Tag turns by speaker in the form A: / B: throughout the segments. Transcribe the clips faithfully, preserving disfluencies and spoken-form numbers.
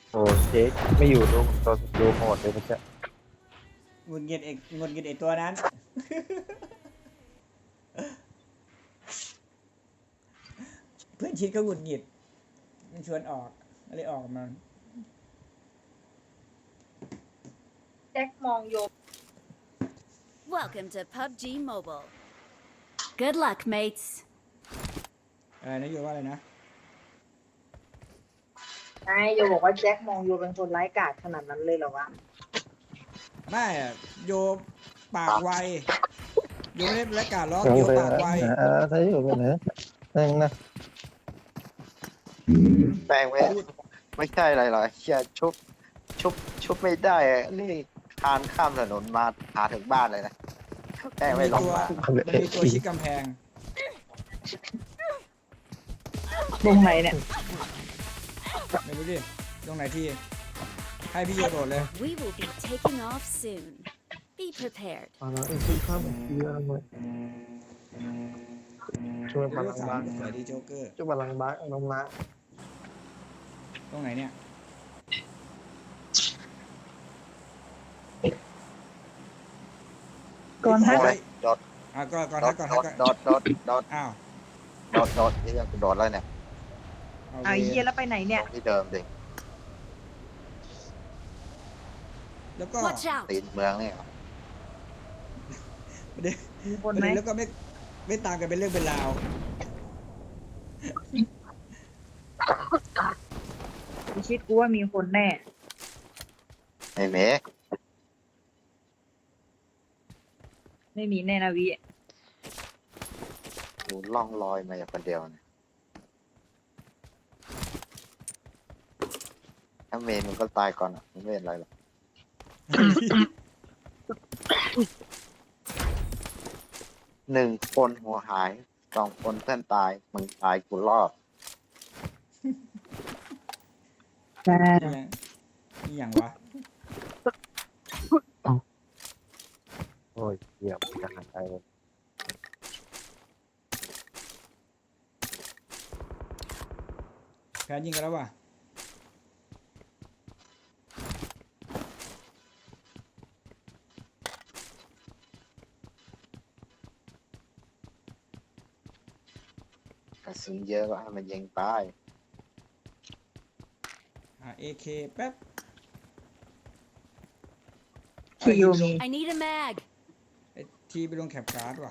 A: โอ้เจ๊ไม่อยู่ดูตัวดูโหดเลยมันจะ
B: หงุดหงิดเอกหงุดหงิดไอตัวนั้น เพื่อนชิดก็หงุดหงิดมันชวนออกอะไรออกมา
C: แจ็คมองโย
D: Welcome to พับจี Mobile. Good luck, mates.
B: อะไรนะโยว่าอะไรนะ
C: นายโยบอกว่าแจ็คมองโยเป็นคนไร้กาจขนาดนั้นเลยเหรอวะ
B: ไม่อะโยปากไวโยไม่ได้ประกาศล้อ
A: ลง
B: โย
A: ไป
B: ปากไว
A: เออถ้าอยู่ไปไหนนั่งนะ
E: แปลงไม่ไม่ใช่อะไรหรอกเชียชุบชุบชุบไม่ได้อะนี่คานข้ามถนนมาหาถึงบ้านเลยนะแปลง
B: มัน
E: ไม่
B: มี
E: ลง
B: ตัว
E: มา
B: มันมีตัวชิดกำแพง
C: ตรงไหนเนี่ย
B: ไม่รู้ดิตรงไหนที่ให้พี่โยโดดเลย
D: We will be taking off soon. Be prepared.
A: มาแล้วไอ้ที่ข้ามเยอะเลยช่วยพ
B: ลู
A: ลั
B: ก
A: ง
B: สาว
A: บ้าน
B: สวยดีโจ๊กเกอร์
A: ช่วยพลังบ้านน้องนะ
B: ตรงไหนเนี่ย
C: ก่อนฮะ
E: โอ้ยโดด
B: อ่ะก็ก่อน
E: โด
B: ทั
E: ด
B: กก่อน
E: โด
B: ทัก
E: ด
B: ก่อน
E: โดดโดดโดด
B: อ้าว
E: โดดโดดนี่ยังโดดแล้วเนี่ย
B: เอา
C: เอา
B: เว
C: เยีย
B: ร
C: แล้วไปไหน
E: ต
C: เนี่ย
E: รงที่เดิมดิ
B: แล้วก็
D: Watch out.
E: ตีนเมืองเนี่ย
B: ประเด็น
C: มีค
B: ป
C: น
B: ระ
C: ไหม
B: เด็นแล้วก็ไม่ไม่ตามกันเป็นเรื่องเป็นราว
C: พิชิตกูว่ามีคนแน่
E: ไอ้เมฆ
C: ไม่มีแน่นะวิ
E: กูล่องลอยมาอย่างคนเดียวเนี่ยถ้าเมนมันก็ตายก่อนอ่ะมันไม่เป็นไรหรอกหนึ่งคนหัวหายสองคนเพื่อนตายมึงตายกูรอด
C: จ้า
B: นี่ยังนี่อย่างวะ
A: โอ้ยเหยียบกันไปเลย
B: แพ้ยิงกันแล้วว่ะ
E: กระสุนเยอะก็ให้มันยิงตาย
B: อ่ะ เอ เค แป๊บ
C: ที่โยมี
D: I need a mag.
B: ไอ้ทีไปลงแคปการ์ดว่ะ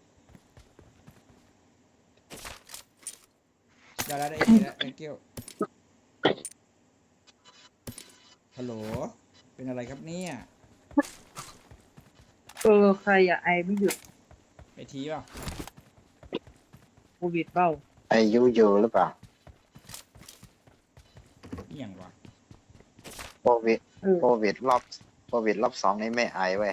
B: ได้แล้วได้เอ เคแล้ว thank you ฮัลโหลเป็นอะไรครับเนี่ย
C: เออใครอะไอไม่หยุด
B: ไอทีป่ะ
C: โควิดเบ้า
E: อายุอยู่หรือเปล่า
B: นี่อย่างวะ
E: โควิด
C: เออ
E: โควิดรอบโควิดรอบสองนี่ไม่ไอเว้ย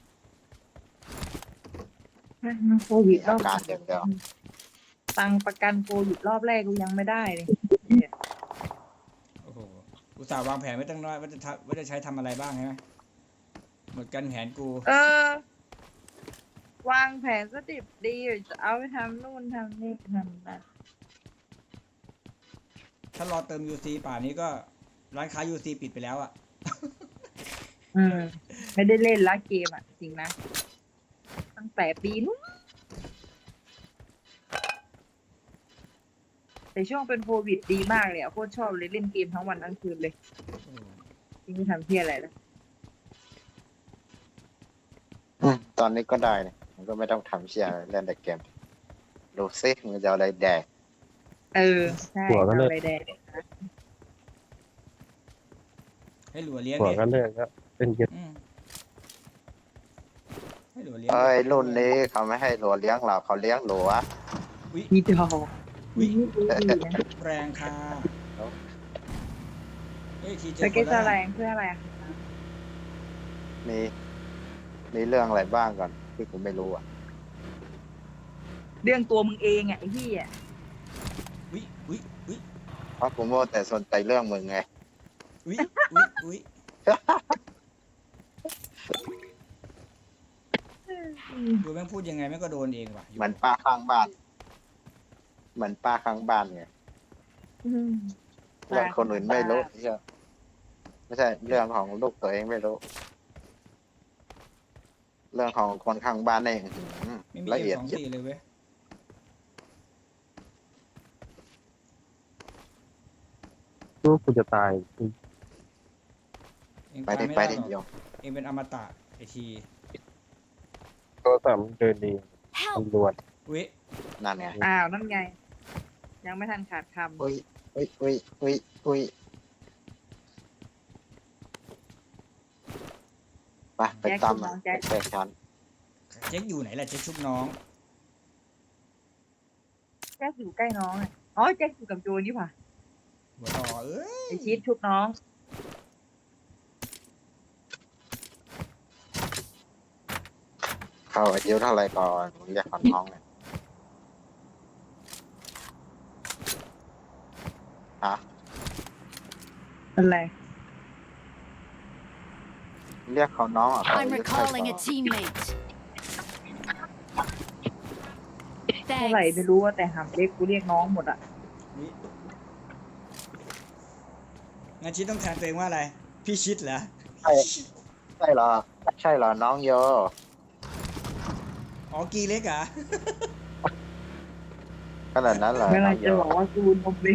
C: มันโควิดรอบ
E: อาการอย่างเดียว
C: ตังค์ประกันโควิดรอบแรกกูยังไม่ได้เลย
B: โอ้โหอุตส่าห์วางแผนไว้ตั้งน้อยว่าจะทำว่าจะใช้ทำอะไรบ้างใช่ไหมหมดกันแผนกู
C: เออ วางแผนสดิบดีจะเอาไปทำนู่นทำนี่ทำนั่น
B: ถ้ารอเติม ยู ซี ป่านนี้ก็ร้านค้า ยู ซี ปิดไปแล้วอะ
C: อืมไม่ได้เล่นละเกมอ่ะ จริงนะ ตั้งแต่ปีนู้นแต่ช่วงเป็นโควิดดีมากเลยอ่ะโคตรชอบเลยเล่นเกมทั้งวันทั้งคืนเลย
B: โอ้โห
C: จริงไม่ทำเพี้ยอะไรแล้ว
E: อืมตอนนี้ก็ได้เนี่ยมันก็ไม่ต้องทำเชียร์เล่นแต่เกม ดูซิมันจะเอาอะไรแดก
C: เออ ใช่เอาอะไรแดง
B: ให้หลัวเลี้ยง
A: หัว
B: ดิ
A: ก็เลิกแล้วเป็นเย็ด
B: อืมให้หลัวเลี้ยง
E: เอ้ยรุ่นนี้เขาไม่ให้หลัวเลี้ยงเราเขาเลี้ยงหลัว
C: มีดอก
B: วิ
C: มีดีนะ
B: แรงค่ะเฮ้ยทีเจ
C: ส
B: อค
C: เก็ต
B: น
C: แส
B: แล้ว
C: ด
B: นะ
C: งเพื่ออะไรอะ
E: มีมีเรื่องอะไรบ้างก่อนที่ผมไม่รู้อ่ะ
C: เรื่องตัวมึงเองอ่ะไอ้พี่อ่ะ
B: วิวิวิ
E: เพราะผมโมวแต่สนใจเรื่องมึงไง
B: วิวิวิดูแม่งพูดยังไงแม่งก็โดนเองว่ะ
E: เหมือนป้าข้างบ้าน เหมือนป้าข้างบ้านไง
C: อืม
E: เรื่องคนอื่นไม่รู้เชื่อไม่ใช่เรื่องของลูกตัวเองไม่รู้ เรื่องของคนข้างบ้านเองอื้อหือ
B: ไม่มี
E: ละ
B: เอ็ม
E: เอียด
B: สอง
E: ยิบ
B: สี่เลยเว้ย
A: รู้กูจะตาย
B: เอง
E: ไป
B: ตาย
E: ดิ
B: ไม่
E: ไป
B: ได้
E: ดิ
B: หรอก
E: เดียว
B: เองเป็นอมตะไอที
A: โทรศัพท์มันเดินดีมัน
D: Help!
A: รวน
B: อุ้ย
E: นั่นไง
C: อ้าวนั่นไง ยังไม่ทันขาดค
E: อุ้ยอุ้ยอุ้ยอุ้ยอุ้ยไปไปตามมันไปแตกฉัน
B: เจ๊กอยู่ไหนล่ะเจ๊กชุบน้อง
C: ำแจ็คอยู่ใกล้น้องอะอ๋อแจ็คอยู่กับโจนี่ป่ะ
B: หัวต่อเอ้ย
C: ไอชีสชุบน้อง
E: เขาอายุเท่าไหรก่อนเรียกคนน้องเนี่ยฮะ
C: อะไร
E: เรียกเขาน้องอ่ะเขา
D: I'm
E: อายุเท่าไหร่
D: recalling
E: ก่
D: a
E: อน
D: teammate.
C: เท่าไหร่
D: Thanks.
C: ไม่รู้ว่าแต่หามเล็กกูเรียกน้องหมดอ่ะ
B: อุ๊ยงั้นชิดต้องแทนตัวเองว่าอะไร พี่ชิดเหรอ
E: ใช่ใช่เหรอ ใช่เหรอ น้องโย
B: อ๋อกีเล็กเหรอ่ะ
E: ขนาดนั้นเหรอ
C: เว
E: น้
C: ลา
E: องโย
C: จะบอกว่ากูนมเล้ง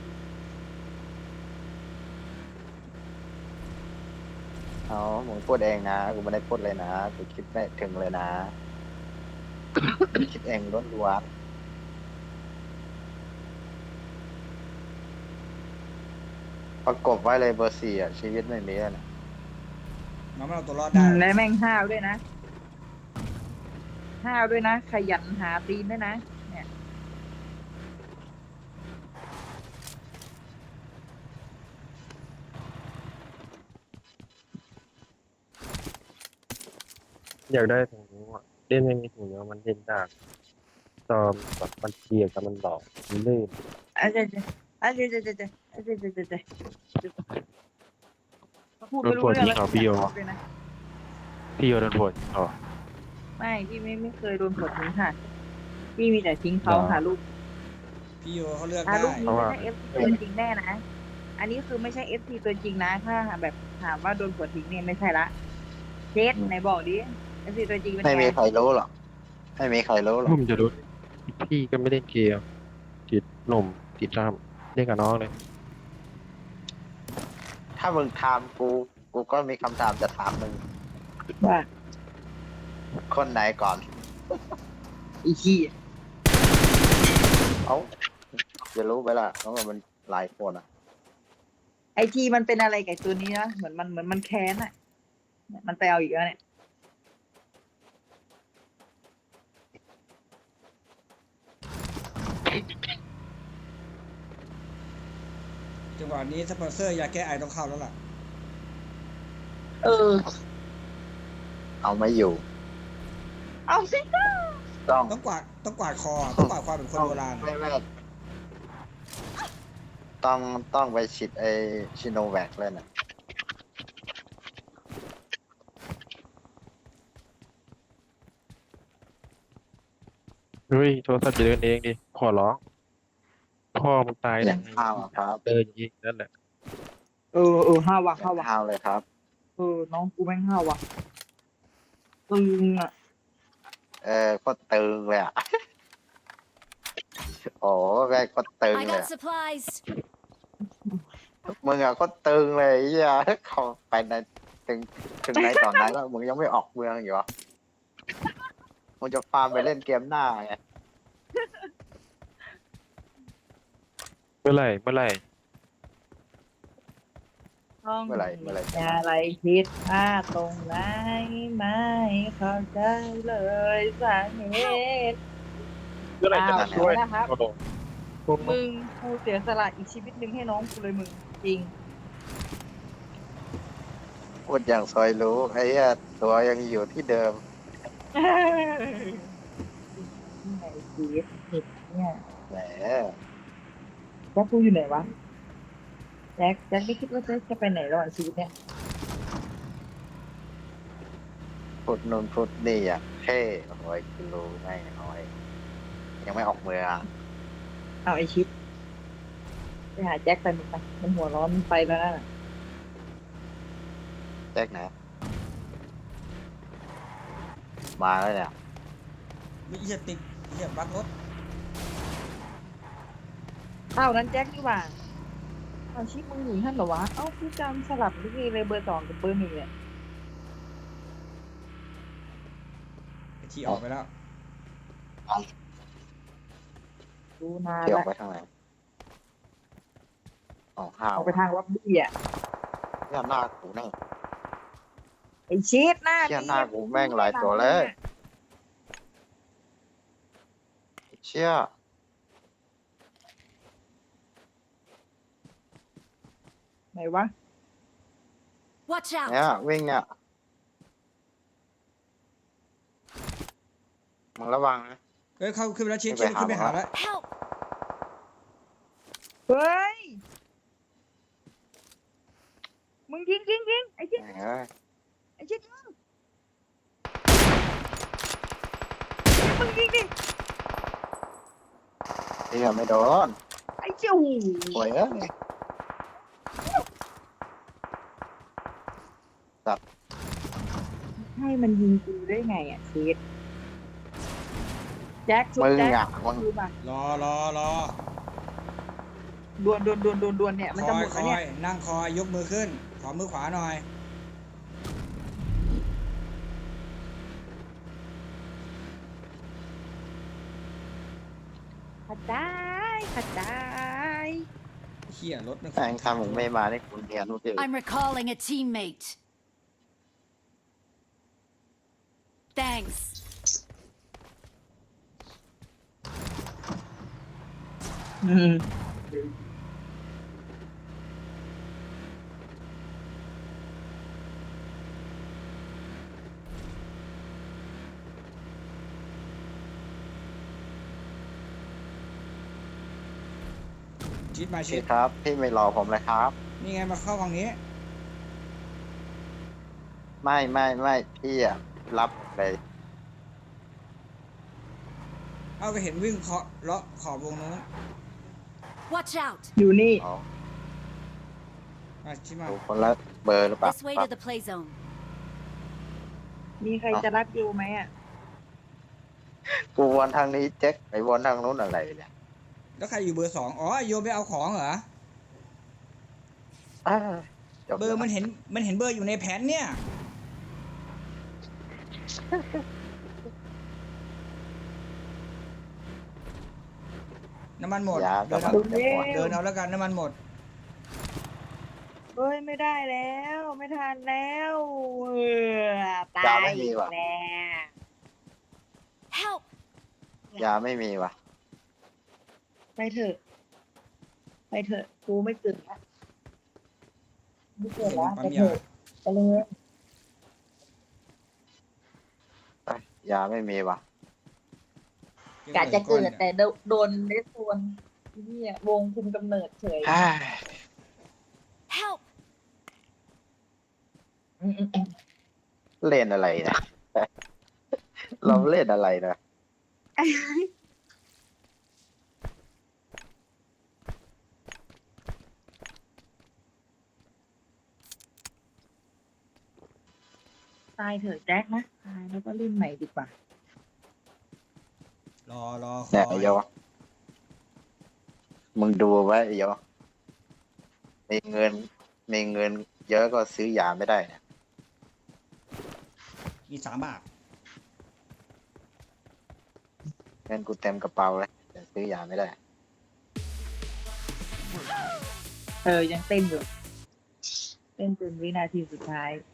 E: เอามึงพูดเองนะ กูไม่ได้พูดเลยนะ กูคิดไม่ถึงเลยนะ คิดเองล้วนล้วนประกบไว้เลยเบอร์สี่อ่ะ ชีวิตไม่มีแล้วนะ
B: น้องมันเอาตัวรอด
C: อื
B: ได้
C: มและแม่งห้าวด้วยนะ ห้าวด้วยนะ ขยันหาตีนด้วยนะ เนี่ย
A: อยากได้ถุงนิ้วอ่ะเล่นไม่มีถุงนิ้วมันเล่นยากจอมแบบมันเปียกกับมันหลอกมันลื่น
C: อาจจะอาจจะอาจจะอาจจะอาจจะอาจจะอาจจะพูดไม่รู้เรื่องแล้วด้วยนะ
A: พี่โยนโผล่อ๋อ
C: ไม่พี่ไม่ไม่เคยโดนกดทิ้งค่ะ พี่มีแต่ทิ้งเขา
A: เหรอ
C: ค่ะลูก
B: พี่โยเขาเลือก
C: อ่ะ
B: ได้
C: ลูกนี้ไม่ใช่เอฟซีตัวจริงแน่นะ อันนี้คือไม่ใช่เอฟซีตัวจริงนะ ถ้าแบบถามว่าโดนกดทิ้งเนี่ยไม่ใช่ละเจสไหนบอกดิเอฟซีตัวจริงเป็น
E: ไม่
C: ไง
E: มีใครรู้หรอก ไม่มีใครรู้หรอก
A: ผมจะรู้พี่ก็ไม่เล่นเกมติดหนุ่มติดรามเล่นกับน้องเลย
E: ถ้ามึงถามกู กูก็มีคำถามจะถามมึง
C: ว่า
E: คนไหนก่อน
C: อีขี้
E: เอ้าจะรู้ไปละเพราะว่ามันหลายคนอ่ะ
C: ไอทีมันเป็นอะไรกับตัวนี้นะเหมือนมันเหมือนมันแค้นอ่ะเนี่ยมันไปเอาอีกแล้วเนี่ย
B: จังหวะนี้สปอนเซอร์ยาแก้ไอต้องเข้าแล้วล่ะ
C: เออ
E: เอาไม่อยู่
C: เอาสิ
E: ต้อง
B: ต้องกวาดต้องกวาดคอ ต้องกวาดความเป็นคนโบราณ
E: ไม่ไม่ต้องต้องไปฉีดไอชิโนแวคเลยนะ
A: เฮ้ยโทรศัพท์จะเดินเองดิขอร้องพ่อมึงตาย
E: เลี้
A: แล้
E: ยว งข้าวอะครับ
A: เดินยิงนั่นแหละ
C: เออเออห้าว่ะ
E: เลี้
C: ห้าย
E: ง
C: ว่ะ
E: ข้าวเลยครับ
C: เออน้องกูแม่งห้าว่ะตึงอ่ะ
E: เออก็ตึงเลยอ่ะ โอ้แม่งก็ตึง
D: I
E: เลย
D: got supplies.
E: มึงอะก็ตึงเลยไอ้เหี้ยเขาไปในถึงถึงในตอนนั้นแล้วมึงยังไม่ออกเมืองอยู่เหรอมึงจะฟาร์มไปเล่นเกมหน้าไง
A: เมื่อไหร่เมื่อไหร่
C: ต้อง
E: เมื่อไหร่เมื่อไหร่จะ
C: อะไรผิดพลาดตรงไหนไม่เข้าใจเลยสาเหตุ
A: เมื่อไหร่จะ
C: อ้าว
A: ช่วย
C: นะครับ
A: โอ้โห
C: มึงกูเสียสละอีกชีวิตหนึ่งให้น้องกูเลยมึงจริง
E: พูดอย่างซอยรู้ไอ้เหี้ยตัวยังอยู่ที่เดิม
C: นี่ไงชีวิตเนี่ย
E: แหม
C: แจ็คกูอยู่ไหนวะแจ็คแจ็คไม่คิดว่าแจ็คจะไปไหนระหว่างชีวิตเนี่ย
E: พูดนู่นพูดนี่อ่ะเท่โอ้ยกูรู้ไงโอ้ยยังไม่ออกเมือง
C: เอาไอชิปไปหาแจ็คไปมึงไปมันหัวร้อนมันไปแล้วนั่นน่ะ
E: แจ็คไหนมาแล้วเนี่ย
B: วิเหี้ยติดเหี้ยบักรถ
C: อ้าวนั้นแจ็คนี่หว่าอ้าวชิปมึงอยู่ท่านเหรอวะเอ้าพี่จำสลับนี่เลยเบอร์สองกับเบอร์หนึ่งเนี่ย
B: ไอ้ที่ออกไปแล้ว
C: ดูนาน
E: เที่ยว
C: ละ
E: ไปทางไหนอ๋อห้าว
C: ออกไปทางวับบี้อ่ะ
E: เนี่ยหน้ากูแน่
C: ไอชีสหน้า
E: เชี่ยหน้ากูแม่งหลายตัวเลย เชี่ย
C: ไหนวะ
D: Watch out!
E: เนี่ยวิ่งเนี่ยมึงระวังนะ
B: เฮ้ยเข้าขึ้นไปแล้วชิด
E: ไม่
B: ชิด
E: ไปหา
B: ขึ้นไปหา
E: หมอ
B: แล้ว
D: Help!
C: เฮ้ย มึงยิงยิงยิงไอชิด
E: เอ้ย
C: ไอชิดยิงมึงยิงดิ
E: เชี่ยไม่โดน
C: ไอเจ้า
E: โวยเอ้ย
C: ให้มันยิงกูได้ไงอ่ะชีสแจ็คชุบ
E: มึง
C: แจ็ค
E: อ่ะมึง
C: ดูป่ะ
B: รอรอรอ
C: ดวนดวนดวนดวนดวนเนี่ยมัน
B: ค
C: จะ
B: อ
C: หม
B: ย
C: ด
B: ค
C: แล้ว
B: อ
C: เนี่ย
B: ยนั่งคอยยกมือขึ้น ขอมือขวาหน่อย
C: ขัดได้ขัดได้
B: เหี้ยรถมัน
E: แม่งทำมึงไม่มานี่คุณเรียนรู้ดิ
D: I'm recalling a teammate. Thanks.
C: อืม
B: ชิดมาชิ
E: พี่
B: ด
E: ครับ พี่ไม่รอผมเลยครับ
B: นี่ไงมาเข้าฝั่งนี้
E: ไม่ไม่ไม่พี่อ่ะรับเลย
B: เอาก็เห็นวิ่งเคาะเลาะขอบวงนู้น
D: Watch out!
C: อยู่นี่
E: อ๋อ
B: มาชิดมา
E: ดูคนละเบอร์หรือเปล่า
D: This way to the play zone.
C: มีใครจะรับอยู่ไหมอ่ะ
E: กูวนทางนี้แจ็คไปวนทางนู้นอะไรเนี่ย
B: แล้วใครอยู่เบอร์สองอ๋อโยมไปเอาของเหรอ
E: อ้าจ
B: เบอร์มันเห็นมันเห็นเบอร์อยู่ในแผนเนี่ย น้ำมันหมด
E: ยา
B: เดิน
E: กำลั
B: เอา
E: งจะหมด
B: เดินเอาแล้วกันน้ำมันหมด
C: เฮ้ยไม่ได้แล้ว ไม่ทันแล้วเออตาย
E: ยาไม่มีว่ะ
C: แล้ว
D: Help!
E: ยาไม่มีว่ะ
C: ไปเถอะ ไปเถอะกูไม่เกิดละไม่เกิดละ
B: ปั๊
C: ไป
B: ม
C: เถ
B: ยา
C: อะไปเลย
E: เอ้ยยาไม่มีว่ะ
C: กะจะเกิดแต่โดนเลสโซนเนี่ยวงคุมกำเนิดเฉย
E: เฮ้ย
D: Help!
C: อืมอืมอืม
E: เล่นอะไรนะ เราเล่นอะไรนะ
C: ตายเถอะแจ็คนะตายแล้วก็เล่นใหม่ดีกว่า
B: รอรอค
E: เนี่ย
B: อ
E: ไอ้
B: ย
E: โยมึงดูไว้ไอ้โยมีเงิน มีเงิน เยอะก็ซื้อยาไม่ได้เนี่ย
B: มีสามบาท
E: เงินกูเต็มกระเป๋าเลยแต่ซื้อยาไม่ได้
C: เออยังเต้นอยู่ เต้นจนวินาทีสุดท้าย